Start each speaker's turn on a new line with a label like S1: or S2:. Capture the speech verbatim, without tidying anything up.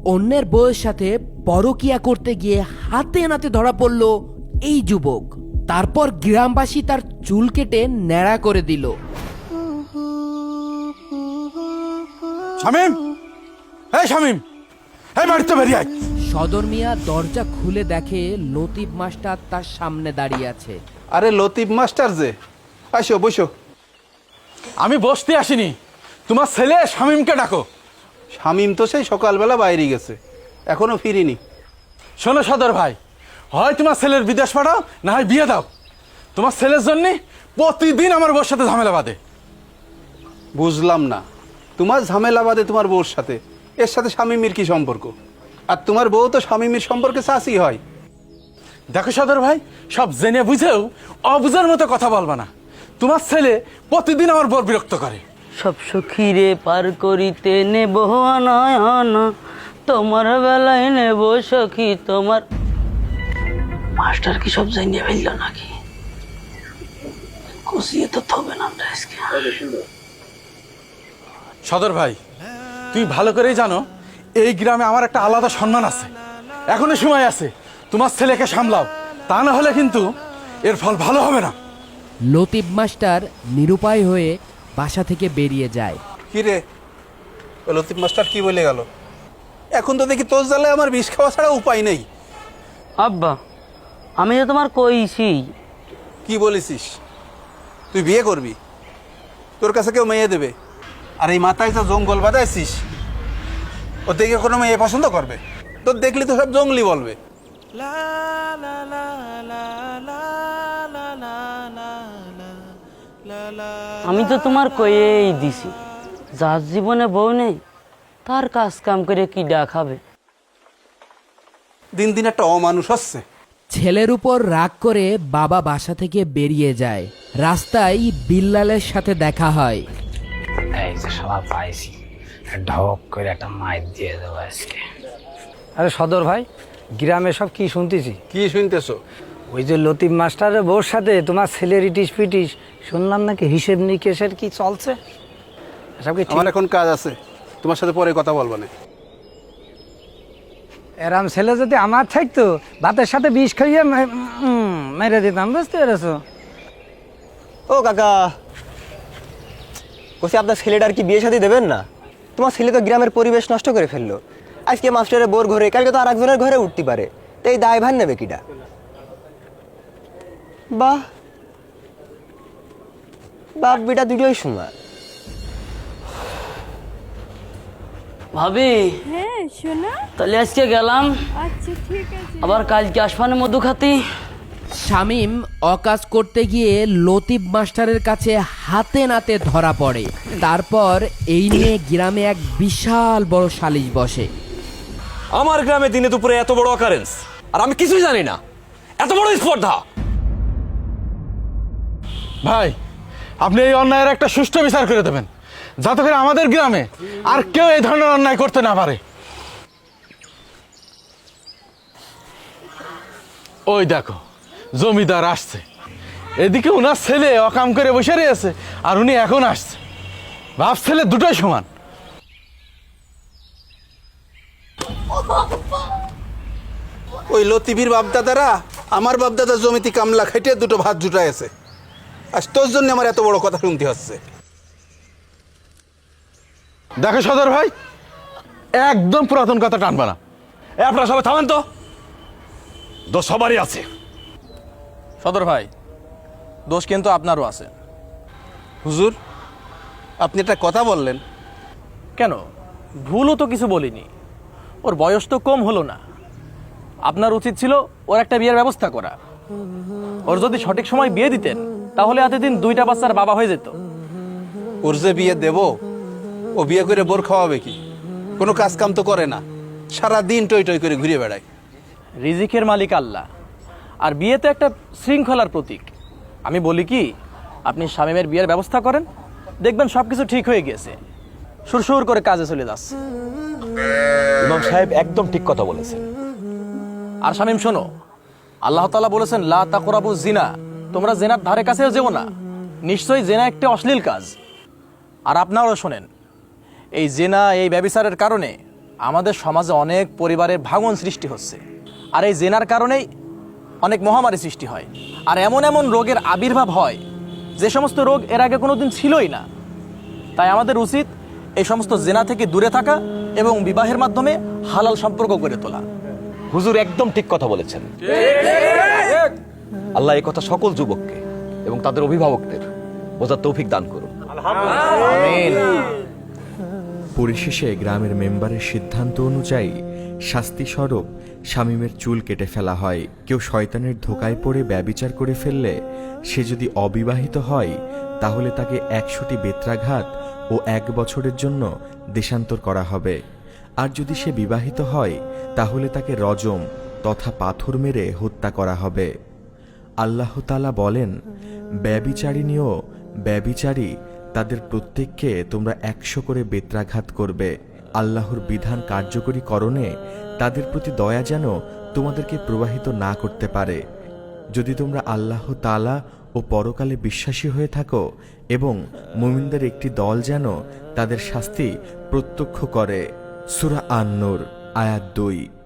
S1: অন্যের বউয়ের সাথে পরকিয়া করতে গিয়ে হাতে নাতে ধরা পড়ল এই যুবক। তারপর গ্রামবাসী তার চুল কেটে ন্যাড়া করে দিল।
S2: শামিম, এই শামিম, এই বাড়িতে বেরিয়ে আয়।
S1: সদর মিয়া দরজা খুলে দেখে লতিফ মাস্টার তার সামনে দাঁড়িয়ে আছে।
S3: আরে লতিফ মাস্টার যে, আসো বসো।
S2: আমি বসতে আসিনি, তোমার ছেলে শামিমকে ডাকো।
S3: শামিম তো সেই সকালবেলা বাইরে গেছে, এখনো ফিরিনি।
S2: শোনো সদর ভাই, হয় তোমার ছেলের বিদেশ পাঠাও, না হয় বিয়ে দাও। তোমার ছেলের জন্য প্রতিদিন আমার বউর সাথে ঝামেলা বাঁধে।
S3: বুঝলাম না, তোমার ঝামেলা বাদে তোমার বউর সাথে, এর সাথে শামিমের কি সম্পর্ক? আর তোমার বউ তো শামিমের সম্পর্কে চাচি হয়।
S2: দেখো সদর ভাই, সব জেনে বুঝেও অবুঝের মতো কথা বলবা না। তোমার ছেলে প্রতিদিন আমার বর বিরক্ত করে।
S4: সব সখীরে পার করিতে নেব নয়ন, তোমার বেলায় নেব সখী তোমার। মাস্টার কি সব জানিয়ে ফেলল নাকি? কষিয়ে তো থবে না আমরা আজকে।
S2: সদর ভাই, তুমি ভালো করেই জানো এই গ্রামে আমার একটা আলাদা সম্মান আছে। এখনো সময় আছে, তোমার ছেলেকে সামলাও, তা না হলে কিন্তু এর ফল ভালো হবে না।
S1: লতিফ মাস্টার নিরুপায় হয়ে বাসা থেকে বেরিয়ে যায়।
S3: কি রে, ও লতিফ মাস্টার কি বলে গেল? এখন তো দেখি তোর জ্বালায় আমার বিষ খাওয়া ছাড়া উপায় নেই।
S4: আব্বা, আমি তো তোমার কইছি।
S3: কি বলেছিস? তুই বিয়ে করবি? তোর কাছে কেউ মেয়ে দেবে? আর এই মাথায় যা জঙ্গল বাঁধাইছিস, ও দেখে কোনো মেয়ে পছন্দ করবে? তোর দেখলি তো সব জঙ্গলি বলবে।
S4: আমি তো তোমার কয়েই দিছি, যার জীবনে বউ নেই তার কাজ কাম করে কি দেখাবে।
S3: দিন দিন একটা অমানুষ হচ্ছে।
S1: ছেলের উপর রাগ করে বাবা বাসা থেকে বেরিয়ে যায়। রাস্তায় বিল্লালের সাথে দেখা হয়।
S5: এই যে সবাই পাইছি, ঢক করে একটা মাইর দিয়ে দেবো আজকে। আরে সদর ভাই, গ্রামে সব কি শুনতেছি?
S3: কি শুনতেছো?
S5: ওই যে লতিফ মাস্টারের বউর সাথে তোমার ছেলের ইটিস পিটিস, শুনলাম নাকি হিসেব নিকেশের কি চলছে। সব কি
S3: আমার এখন কাজ আছে, তোমার সাথে পরে কথা বলবো না।
S5: এরাম ছেলে যদি আমার থাকতো, ভাতের সাথে বিষ খাইয়ে উম, মেরে দিতাম, বুঝতে পেরেছো?
S6: ও কাকা, বলছি আপনার ছেলেটার কি বিয়ে শাদী দেবেন না? তোমার ছেলে তো গ্রামের পরিবেশ নষ্ট করে ফেললো। আজকে মাস্টারের বোর ঘরে, কালকে তো আর একজনের ঘরে উঠতে পারে, তো এই দায় ভার নেবে কিটা? বাহ, বাপ বেটা দুটোই সমান।
S4: ভাবি,
S7: হ্যাঁ শোনা।
S4: তাহলে আজকে গেলাম,
S7: আচ্ছা ঠিক আছে।
S4: আবার কালকে আসবানে মধু খাতি।
S1: শামীম অকাজ করতে গিয়ে লতিফ মাস্টারের কাছে হাতে নাতে ধরা পড়ে। তারপর এই নিয়ে গ্রামে এক বিশাল বড় সালিশ বসে।
S8: আমার গ্রামে দিনে দুপুরে এত বড় অকারেন্স, আর আমি কিছুই জানি না, এত বড় স্পর্ধা।
S2: ভাই, আপনি এই অন্যায়ের একটা সুষ্ঠু বিচার করে দেবেন, যাতে করে আমাদের গ্রামে আর কেউ এই ধরনের অন্যায় করতে না পারে। ওই দেখো, জমিদার আসছে। এদিকে উনার ছেলে অকাম করে বসে রয়েছে, আর উনি এখন আসছে। বাপ ছেলে দুটোই সমান।
S3: ওই লতিফির বাপদাদারা আমার বাপদাদার জমিতে কামলা খাইটে দুটো ভাত জুটায় আছে, আর তোর জন্য আমার এত বড় কথা শুনতে হচ্ছে।
S2: দেখো সদর ভাই, একদম পুরাতন কথা টানবা না।
S8: এ আপনারা সবাই থামেন তো, দোষ সবারই আছে।
S9: সদর ভাই, দোষ কিন্তু আপনারও আছে।
S3: হুজুর, আপনি একটা কথা বললেন।
S9: কেন, ভুলও তো কিছু বলিনি। ওর বয়স তো কম হলো না। আপনার উচিত ছিল ওর একটা বিয়ের ব্যবস্থা করা। ওর যদি সঠিক সময় বিয়ে দিতেন, তাহলে এতদিন দুইটা বাচ্চার বাবা হয়ে যেত।
S3: ওর যে বিয়ে দেব, ও বিয়ে করে বোর খাওয়াবে কি? কোনো কাজ কাম তো করে না, সারা দিন টই টই করে ঘুরে বেড়ায়।
S9: রিজিকের মালিক আল্লাহ, আর বিয়ে তো একটা শৃঙ্খলার প্রতীক। আমি বলি কি, আপনি শামীমের বিয়ের ব্যবস্থা করেন, দেখবেন সবকিছু ঠিক হয়ে গেছে, সুরসুর করে কাজে চলে যাচ্ছে।
S8: ইমাম সাহেব একদম ঠিক কথা বলেছেন।
S9: আর শামীম শোনো, আল্লাহ তাআলা বলেছেন লা তাকরাবু জিনা, তোমরা জেনার ধারে কাছেও যেও না। নিশ্চয়ই জেনা একটি অশ্লীল কাজ। আর আপনারাও শোনেন, এই জেনা, এই ব্যভিচারের কারণে আমাদের সমাজে অনেক পরিবারের ভাঙন সৃষ্টি হচ্ছে, আর এই জেনার কারণেই অনেক মহামারী সৃষ্টি হয়, আর এমন এমন রোগের আবির্ভাব হয় যে সমস্ত রোগ এর আগে কোনোদিন ছিলই না। তাই আমাদের উচিত এই সমস্ত জেনা থেকে দূরে থাকা এবং বিবাহের মাধ্যমে হালাল সম্পর্ক গড়ে তোলা।
S8: হুজুর একদম ঠিক কথা বলেছেন। আল্লাহ এই কথা সকল যুবককে এবং তাদের অভিভাবকদের বোঝার তৌফিক দান করুন।
S10: পরিশেষে গ্রামের মেম্বারের সিদ্ধান্ত অনুযায়ী শাস্তিস্বরূপ শামীমের চুল কেটে ফেলা হয়। কেউ শয়তানের ধোকায় পড়ে ব্যভিচার করে ফেললে সে যদি অবিবাহিত হয় তাহলে তাকে একশোটি বেত্রাঘাত ও এক বছরের জন্য দেশান্তর করা হবে। আর যদি সে বিবাহিত হয় তাহলে তাকে রজম তথা পাথর মেরে হত্যা করা হবে। আল্লাহ তাআলা বলেন, ব্যভিচারিণী ও ব্যভিচারী তাদের প্রত্যেককে তোমরা একশো করে বেত্রাঘাত করবে। আল্লাহর বিধান কার্যকরী করণে তাদের প্রতি দয়া যেন তোমাদেরকে প্রবাহিত না করতে পারে। যদি তোমরা আল্লাহ তাআলা ও পরকালে বিশ্বাসী হয়ে থাকো এবং মুমিনদের একটি দল যেন তাদের শাস্তি প্রত্যক্ষ করে। সূরা আন-নূর আয়াত দুই।